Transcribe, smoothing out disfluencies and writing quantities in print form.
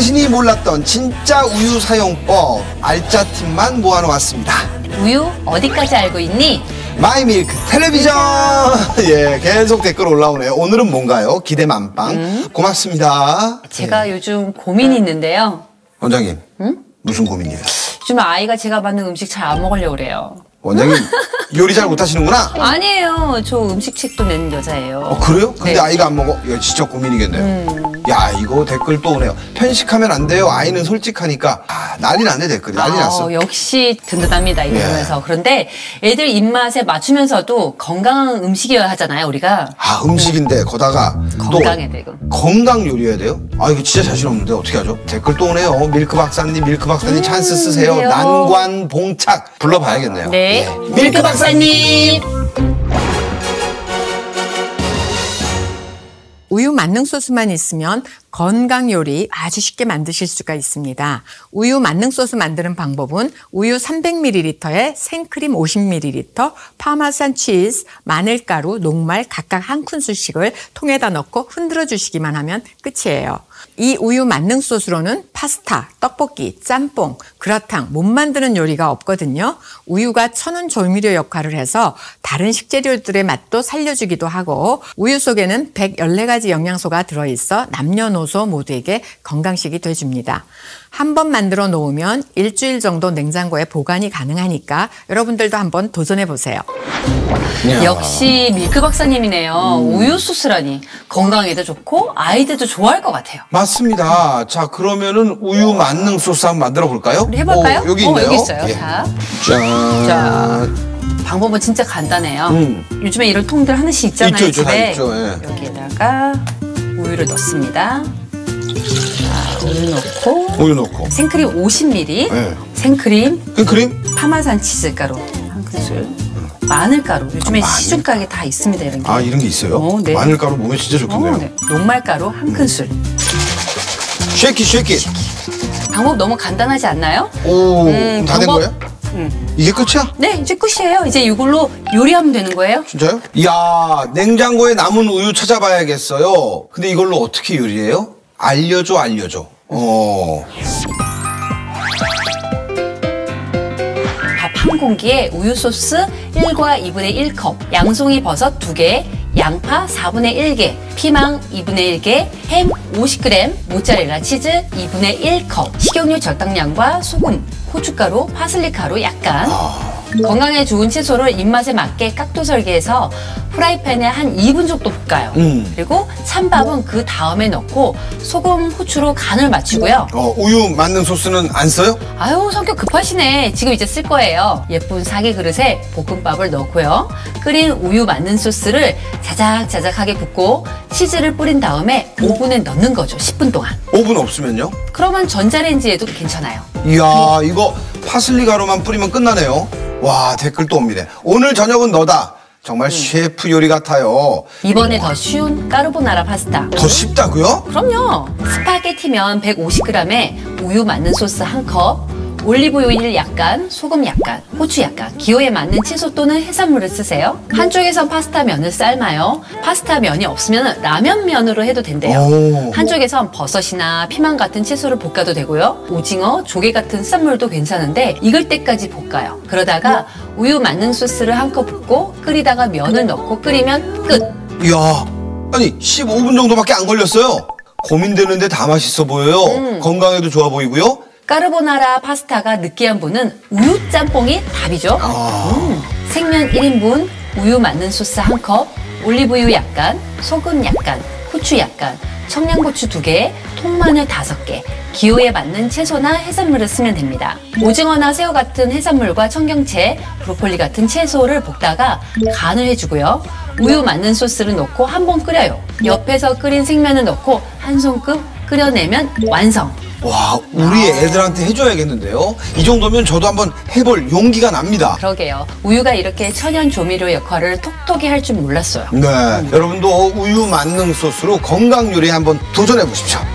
당신이 몰랐던 진짜 우유 사용법 알짜 팁만 모아놓았습니다. 우유 어디까지 알고 있니? 마이밀크 텔레비전. 예, 계속 댓글 올라오네요. 오늘은 뭔가요? 기대 만빵. 고맙습니다. 제가 요즘 고민이 있는데요. 원장님, 무슨 고민이에요? 요즘 아이가 제가 만든 음식 잘 안 먹으려고 그래요. 원장님 요리 잘 못하시는구나? 아니에요. 저 음식책도 낸 여자예요. 그래요? 근데 네. 아이가 안 먹어? 이거 진짜 고민이겠네요. 야, 이거 댓글 또 오네요. 편식하면 안 돼요. 아이는 솔직하니까. 난리 났네, 댓글이. 난리 났어. 역시 든든합니다, 이거 보면서. 그런데 애들 입맛에 맞추면서도 건강한 음식이어야 하잖아요, 우리가. 음식인데 거다가 건강해야 되고. 건강 요리해야 돼요? 이거 진짜 자신 없는데 어떻게 하죠? 댓글 또 오네요. 밀크 박사님 찬스 쓰세요. 그래요. 난관 봉착 불러봐야겠네요. 네. 예. 밀크 박사님. 우유 만능 소스만 있으면 건강 요리 아주 쉽게 만드실 수가 있습니다. 우유 만능 소스 만드는 방법은 우유 300ml에 생크림 50ml, 파마산 치즈, 마늘가루, 녹말 각각 한 큰술씩을 통에다 넣고 흔들어 주시기만 하면 끝이에요. 이 우유 만능 소스로는 파스타, 떡볶이, 짬뽕, 그라탕 못 만드는 요리가 없거든요. 우유가 천연 조미료 역할을 해서 다른 식재료들의 맛도 살려주기도 하고 우유 속에는 114가지 영양소가 들어있어 남녀노소 모두에게 건강식이 돼줍니다. 한 번 만들어 놓으면 일주일 정도 냉장고에 보관이 가능하니까 여러분들도 한번 도전해 보세요. 역시 밀크 박사님이네요. 우유 소스라니 건강에도 좋고 아이들도 좋아할 것 같아요. 맞습니다. 자, 그러면은 우유 만능 소스 한번 만들어 볼까요? 우리 해볼까요? 여기 있네요. 여기 있어요. 예. 자, 자, 방법은 진짜 간단해요. 요즘에 이런 통들 하나씩 있잖아요. 있죠, 다 집에. 있죠. 예. 여기에다가 우유를 넣습니다. 자, 우유 넣고 생크림 50ml, 네. 생크림, 파마산 치즈가루 한 큰술, 마늘가루. 요즘에 마늘? 시중 가게 다 있습니다, 이런 게. 이런 게 있어요? 네. 마늘가루 몸에 진짜 좋겠네요. 네. 녹말가루 한 큰술. 쉐이키. 방법 너무 간단하지 않나요? 다 된 거예요? 이게 끝이야? 네, 이제 끝이에요. 이제 이걸로 요리하면 되는 거예요. 진짜요? 이야, 냉장고에 남은 우유 찾아봐야겠어요. 근데 이걸로 어떻게 요리해요? 알려줘. 밥 한 공기에 우유 소스 1과 2분의 1컵, 양송이 버섯 2개, 양파 4분의 1개, 피망 2분의 1개, 햄 50g, 모짜렐라 치즈 2분의 1컵, 식용유 적당량과 소금, 고춧가루, 파슬리 가루 약간. 건강에 좋은 채소를 입맛에 맞게 깍두 설계해서 프라이팬에 한 2분 정도 볶아요. 그리고 찬밥은 그 다음에 넣고 소금, 후추로 간을 맞추고요. 우유 만능 소스는 안 써요? 아유, 성격 급하시네. 지금 이제 쓸 거예요. 예쁜 사기 그릇에 볶음밥을 넣고요. 끓인 우유 만능 소스를 자작자작하게 붓고 치즈를 뿌린 다음에 오븐에 넣는 거죠. 10분 동안. 오븐 없으면요? 그러면 전자레인지에도 괜찮아요. 이야, 이거 파슬리 가루만 뿌리면 끝나네요. 와, 댓글 또 옵니다. 오늘 저녁은 너다. 정말 셰프 요리 같아요. 이번에 더 쉬운 까르보나라 파스타. 더 쉽다고요? 그럼요. 스파게티면 150g에 우유 만능 소스 1컵, 올리브오일 약간, 소금 약간, 고추 약간, 기호에 맞는 채소 또는 해산물을 쓰세요. 한쪽에선 파스타 면을 삶아요. 파스타 면이 없으면 라면 면으로 해도 된대요. 한쪽에선 버섯이나 피망 같은 채소를 볶아도 되고요. 오징어, 조개 같은 해산물도 괜찮은데 익을 때까지 볶아요. 그러다가 우유 만능 소스를 1컵 붓고 끓이다가 면을 넣고 끓이면 끝. 이야, 아니 15분 정도밖에 안 걸렸어요. 고민되는데 다 맛있어 보여요. 건강에도 좋아 보이고요. 까르보나라 파스타가 느끼한 분은 우유 짬뽕이 답이죠. 생면 1인분, 우유 만능 소스 1컵, 올리브유 약간, 소금 약간, 후추 약간, 청양고추 2개, 통마늘 5개, 기호에 맞는 채소나 해산물을 쓰면 됩니다. 오징어나 새우 같은 해산물과 청경채, 브로콜리 같은 채소를 볶다가 간을 해주고요. 우유 만능 소스를 넣고 한번 끓여요. 옆에서 끓인 생면을 넣고 한 손급 끓여내면 완성. 와, 우리 애들한테 해줘야겠는데요. 이 정도면 저도 한번 해볼 용기가 납니다. 그러게요. 우유가 이렇게 천연 조미료 역할을 톡톡히 할 줄 몰랐어요. 네, 여러분도 우유 만능 소스로 건강 요리 한번 도전해 보십시오.